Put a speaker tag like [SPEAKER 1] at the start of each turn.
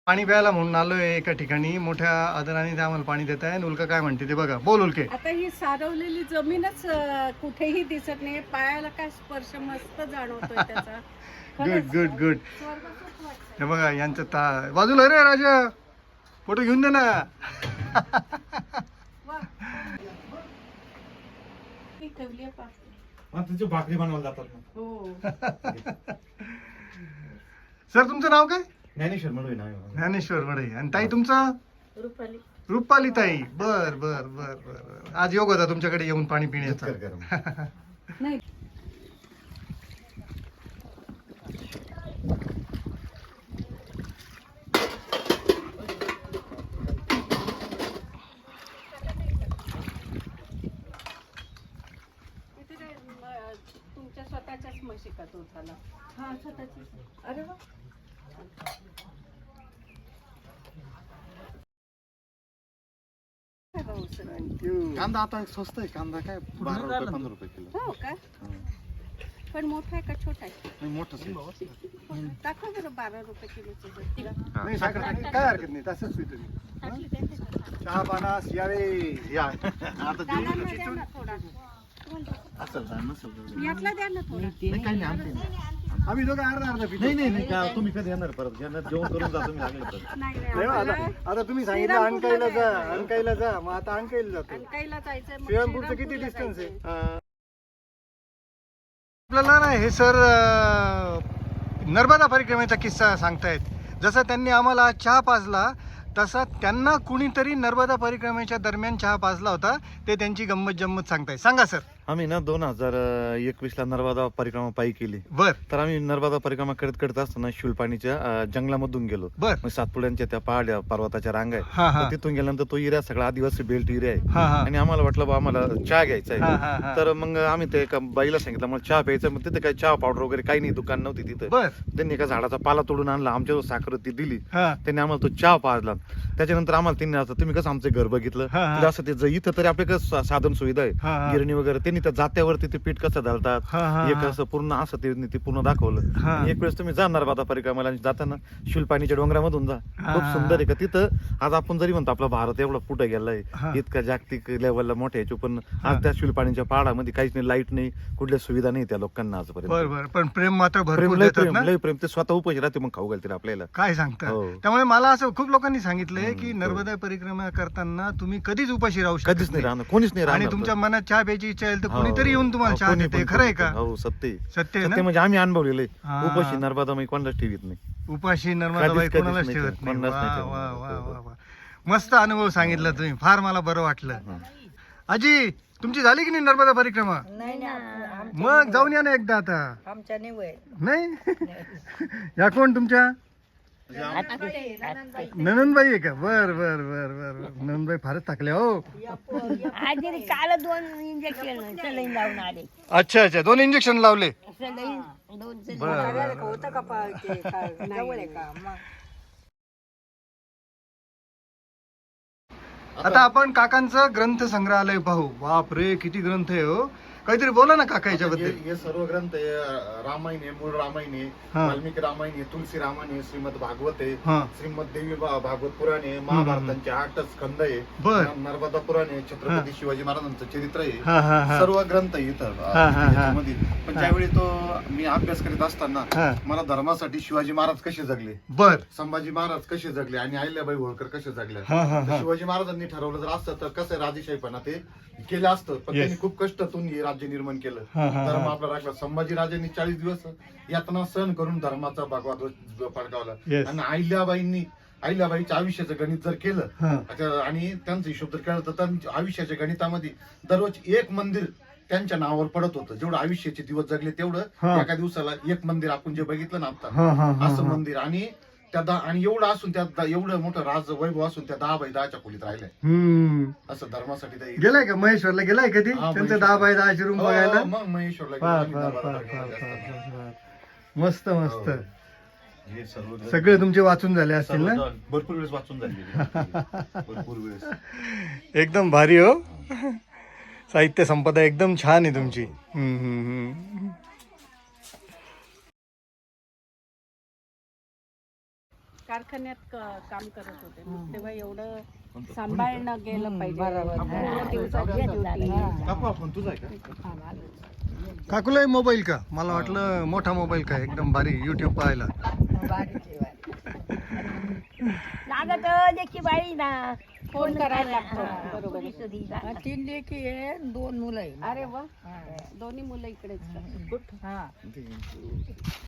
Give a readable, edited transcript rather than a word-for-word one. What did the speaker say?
[SPEAKER 1] पाणी प्यायला म्हणून आलोय एका ठिकाणी, मोठ्या आदराने ते आम्हाला पाणी देत आहे. उल्का काय म्हणते ते बघा. बोल उल्के.
[SPEAKER 2] आता ही सारवलेली जमीनच कुठेही दिसत नाही, पायाला काय स्पर्श मस्त जाणवतोय त्याचा.
[SPEAKER 1] Good good good. हे बघा यांचं बाजूला रे राजा, फोटो घेऊन दे ना.
[SPEAKER 3] भाकरी बनवायला जातात.
[SPEAKER 2] हो.
[SPEAKER 1] सर तुमचं नाव काय?
[SPEAKER 3] ज्ञानेश्वर म्हणून ना.
[SPEAKER 1] ज्ञानेश्वर वडे. आणि ताई तुमचं?
[SPEAKER 2] रुपाली.
[SPEAKER 1] रुपाली ताई. बर बर बर बर. आज योग होता तुमच्याकडे येऊन पाणी पिण्याचा.
[SPEAKER 2] नाही तुमच्या स्वतःच्याच म्हशी का दूध झाला? हा स्वतःची. अरे वा.
[SPEAKER 3] कांदा आता स्वस्त आहे. कांदा काय 12 रुपये 15 रुपये किलो.
[SPEAKER 2] हो का? पण मोठा आहे का छोटा आहे?
[SPEAKER 3] नाही मोठंच आहे.
[SPEAKER 2] दाखव बरं 12 रुपये किलोचं.
[SPEAKER 1] नाही साखर काय हरकत नाही, तसंच स्वीट. चहा पाना यावे या.
[SPEAKER 3] आता
[SPEAKER 2] दादांना द्या ना थोडा.
[SPEAKER 3] असेल ना नसेल.
[SPEAKER 2] यातला द्या ना थोडा.
[SPEAKER 3] नाही काही नाही आणते ना.
[SPEAKER 1] आम्ही दोघं अर्धा अर्धा पितो.
[SPEAKER 3] नाही का तुम्ही कधी येणार परत येणार जेवण करून जा तुम्ही लागलं तर.
[SPEAKER 2] नाही
[SPEAKER 1] नाही, आता तुम्ही सांगितलं अणकाईला जा, अणकाईला जा, मग आता अणकाईला जातो.
[SPEAKER 2] अंकाईला जायचंय. मग
[SPEAKER 1] श्रीरामपूरचं किती
[SPEAKER 2] श्रीरामपूरला
[SPEAKER 1] डिस्टन्स आहे?
[SPEAKER 2] जायचंय.
[SPEAKER 1] आपल्याला ना हे सर नर्मदा परिक्रमेचा किस्सा सांगतायत. जसं त्यांनी आम्हाला चहा पाजला तसा त्यांना कुणीतरी नर्मदा परिक्रमेच्या दरम्यान चहा पाजला होता. ते त्यांची गंमत जम्मत सांगतायत. सांगा सर.
[SPEAKER 3] आम्ही ना 2021 ला नर्मदा परिक्रमा पायी केली.
[SPEAKER 1] बर
[SPEAKER 3] तर आम्ही नर्मदा परिक्रमा करत असताना शुलपाणीच्या जंगलामधून गेलो.
[SPEAKER 1] बर.
[SPEAKER 3] मग सातपुड्यांच्या त्या पहाड्या पर्वताच्या रांगा आहे.
[SPEAKER 1] हा हा
[SPEAKER 3] तर तिथून गेल्यानंतर तो एरिया सगळा आदिवासी बेल्ट एरिया आहे.
[SPEAKER 1] हा हा
[SPEAKER 3] आणि आम्हाला वाटलं बा आम्हाला चहा घ्यायचा
[SPEAKER 1] हा, हा,
[SPEAKER 3] आहे.
[SPEAKER 1] हा.
[SPEAKER 3] तर मग आम्ही ते एका बाईला सांगितलं मला चहा प्यायचा. मग तिथे काही चहा पावडर वगैरे काही नाही, दुकान नव्हती तिथं.
[SPEAKER 1] बर
[SPEAKER 3] त्यांनी एका झाडाचा पाला तोडून आणला, आमच्या साखर ती दिली.
[SPEAKER 1] हा
[SPEAKER 3] त्यांनी आम्हाला तो चहा पाजला. त्याच्यानंतर आम्हाला त्यांनी आता तुम्ही कसं आमचं घर बघितलं
[SPEAKER 1] हा, हा.
[SPEAKER 3] तर असं ते इथं तरी आपले कसं साधन सुविधा आहे,
[SPEAKER 1] हा, हा.
[SPEAKER 3] गिरणी वगैरे. त्यांनी त्या जात्यावरती ते पीठ कसं घालतात
[SPEAKER 1] हा, हा,
[SPEAKER 3] एक
[SPEAKER 1] हा.
[SPEAKER 3] असं पूर्ण असं ते पूर्ण दाखवलं.
[SPEAKER 1] हा.
[SPEAKER 3] एक वेळेस तुम्ही जाणार बाबा परिक्रमाला आणि जाताना शुलपाणीच्या डोंगरामधून जा.
[SPEAKER 1] हा,
[SPEAKER 3] खूप
[SPEAKER 1] हा.
[SPEAKER 3] सुंदर आहे का तिथं. आज आपण जरी म्हणतो आपला भारत एवढा पुढे गेलाय
[SPEAKER 1] हा.
[SPEAKER 3] इतका जागतिक लेवलला मोठ्या याच्या, पण
[SPEAKER 1] हा.
[SPEAKER 3] आज त्या शुलपाणीच्या पहाडामध्ये काहीच नाही, लाईट नाही, कुठल्या सुविधा नाही त्या लोकांना
[SPEAKER 1] बर
[SPEAKER 3] आजपर्यंत.
[SPEAKER 1] बर. पण प्रेम मात्र
[SPEAKER 3] प्रेम
[SPEAKER 1] भरपूर
[SPEAKER 3] लय
[SPEAKER 1] देतात
[SPEAKER 3] प्रेम
[SPEAKER 1] ना.
[SPEAKER 3] लय प्रेम. ते स्वतः उपाशी राहते मग खाऊ घालतील आपल्याला.
[SPEAKER 1] काय सांगता.
[SPEAKER 3] हो.
[SPEAKER 1] त्यामुळे मला असं खूप लोकांनी सांगितलंय की
[SPEAKER 3] हो.
[SPEAKER 1] नर्मदा परिक्रमा करताना तुम्ही कधीच उपाशी राहू शकत
[SPEAKER 3] कधीच नाही राहणार, कोणीच नाही
[SPEAKER 1] आणि
[SPEAKER 3] राहणार.
[SPEAKER 1] तुमच्या मनात चहा प्यायची इच्छा आहे तर
[SPEAKER 3] हो.
[SPEAKER 1] कुणीतरी येऊन तुम्हाला
[SPEAKER 3] हो,
[SPEAKER 1] चहा
[SPEAKER 3] कोणी
[SPEAKER 1] देते.
[SPEAKER 3] पण
[SPEAKER 1] खरं आहे
[SPEAKER 3] करू
[SPEAKER 1] का?
[SPEAKER 3] शकतं. हो सत्य आहे.
[SPEAKER 1] सत्य आहे
[SPEAKER 3] सत्य
[SPEAKER 1] ना.
[SPEAKER 3] म्हणजे आम्ही अनुभवलेलं आहे.
[SPEAKER 1] हा.
[SPEAKER 3] उपाशी नर्मदा मी कोणालाच ठेवीत नाही.
[SPEAKER 1] उपाशी नर्मदाबाई
[SPEAKER 3] कधीच
[SPEAKER 1] कोणालाच
[SPEAKER 3] नाही
[SPEAKER 1] ठेवत
[SPEAKER 3] ठेवत.
[SPEAKER 1] नाही.
[SPEAKER 3] कोणालाच नाही
[SPEAKER 1] वा
[SPEAKER 3] ठेवत.
[SPEAKER 1] वा वा वा वा. मस्त अनुभव सांगितला तुम्ही. फार मला बरं वाटलं. आजी तुमची झाली की नाही नर्मदा परिक्रमा?
[SPEAKER 4] नाही ना
[SPEAKER 1] मग जाऊन या ना एकदा आता.
[SPEAKER 4] आमच्या निवय
[SPEAKER 1] नाही या कोण तुमच्या ननंदबाई आहे का? बर बर बर बर. ननंदबाई फारच थकल्या हो.
[SPEAKER 4] आज काल 2 इंजेक्शन सलाईन लावून आले.
[SPEAKER 1] अच्छा अच्छा. 2 इंजेक्शन लावले.
[SPEAKER 4] सलाईन 2
[SPEAKER 1] बर.
[SPEAKER 4] होतं का जवळ आहे का मग
[SPEAKER 1] आता आपण काकांचं ग्रंथ संग्रहालय पाहू. बाप रे किती ग्रंथ आहे हो. काहीतरी बोला ना काका याच्याबद्दल.
[SPEAKER 3] हे सर्व ग्रंथ आहे. रामायण आहे, मूळ रामायण आहे,
[SPEAKER 1] हा.
[SPEAKER 3] वाल्मिकी रामायण आहे, तुलसी रामायण आहे, श्रीमद भागवत आहे,
[SPEAKER 1] हा
[SPEAKER 3] श्रीमद देवी भागवत पुराण आहे, महाभारतांचे 8 स्कंद आहे,
[SPEAKER 1] बर.
[SPEAKER 3] नर्मदा पुराण आहे, छत्रपती शिवाजी महाराजांचं चरित्र आहे.
[SPEAKER 1] हा हा हा
[SPEAKER 3] सर्व ग्रंथ आहे इथं
[SPEAKER 1] हा, हा.
[SPEAKER 3] याच्यामध्ये. पण ज्यावेळी मी अभ्यास करीत असताना
[SPEAKER 1] हा.
[SPEAKER 3] मला धर्मासाठी शिवाजी महाराज कसे जगले,
[SPEAKER 1] बर.
[SPEAKER 3] संभाजी महाराज कसे जगले आणि अहिल्याबाई होळकर कसे जगल्या.
[SPEAKER 1] हा हा
[SPEAKER 3] तर
[SPEAKER 1] हा
[SPEAKER 3] शिवाजी महाराजांनी ठरवलं जर असतं तर कसं राजेशाहीपणा ते केलं असतं. पण
[SPEAKER 1] Yes.
[SPEAKER 3] त्यांनी खूप कष्टातून हे राज्य निर्माण केलं.
[SPEAKER 1] हा, हा,
[SPEAKER 3] धर्म
[SPEAKER 1] हा.
[SPEAKER 3] आपला राखला. संभाजी राजांनी 40 दिवस यातना सहन करून धर्माचा भगवा ध्वज फडकावला.
[SPEAKER 1] Yes.
[SPEAKER 3] आणि अहिल्याबाईच्या आयुष्याचं गणित जर केलं
[SPEAKER 1] हा.
[SPEAKER 3] आणि त्यांचा हिशोब जर केला तर त्यांच्या आयुष्याच्या गणितामध्ये दररोज एक मंदिर त्यांच्या नावावर पडत होतं. जेवढं आयुष्याचे दिवस जगले
[SPEAKER 1] हा.
[SPEAKER 3] तेवढं एका दिवसाला एक मंदिर आपण जे बघितलं ना आता
[SPEAKER 1] हा हा हा
[SPEAKER 3] असं
[SPEAKER 1] हा.
[SPEAKER 3] मंदिर. आणि आणि एवढं असून त्यात एवढं मोठं राज वैभव असून त्या 10 बाय 10च्या खोलीत राहिलंय. असं धर्मासाठी ते
[SPEAKER 1] गेलाय का महेश्वरला? गेलाय कधी
[SPEAKER 3] हा,
[SPEAKER 1] त्यांचं
[SPEAKER 3] महेश्वर.
[SPEAKER 1] 10 बाय 10 रूम
[SPEAKER 3] हो,
[SPEAKER 1] बघायला?
[SPEAKER 3] मग महेश्वरला गेलो
[SPEAKER 1] फार
[SPEAKER 3] आम्ही
[SPEAKER 1] फार
[SPEAKER 3] नर्मदा
[SPEAKER 1] फार
[SPEAKER 3] परिक्रमाला
[SPEAKER 1] फार फार
[SPEAKER 3] असताना.
[SPEAKER 1] फार फार. मस्त मस्त.
[SPEAKER 3] हे सर्व
[SPEAKER 1] सगळे तुमचे वाचून झाले असतील ना?
[SPEAKER 3] भरपूर वेळेस वाचून झाले. भरपूर वेळेस.
[SPEAKER 1] एकदम भारी हो. साहित्य संपदा एकदम छान आहे तुमची.
[SPEAKER 2] कारखान्यात काम करत होते मग तेव्हा एवढं सांभाळणं गेलं पाहिजे पूर्ण दिवसाची duty.
[SPEAKER 3] काकू आपण तुझा आहे का?
[SPEAKER 1] काकूलाही मोबाईल का? मला वाटलं मोठा मोबाईल का एकदम भारी युट्यूब पाहायला.
[SPEAKER 4] लागत देखी बाई ना
[SPEAKER 2] फोन करायला लागतो बरोबर आहे.
[SPEAKER 5] 3 लेकी आहे 2 मुलं आहे.
[SPEAKER 2] अरे वा दोन्ही मुलं इकडेच का?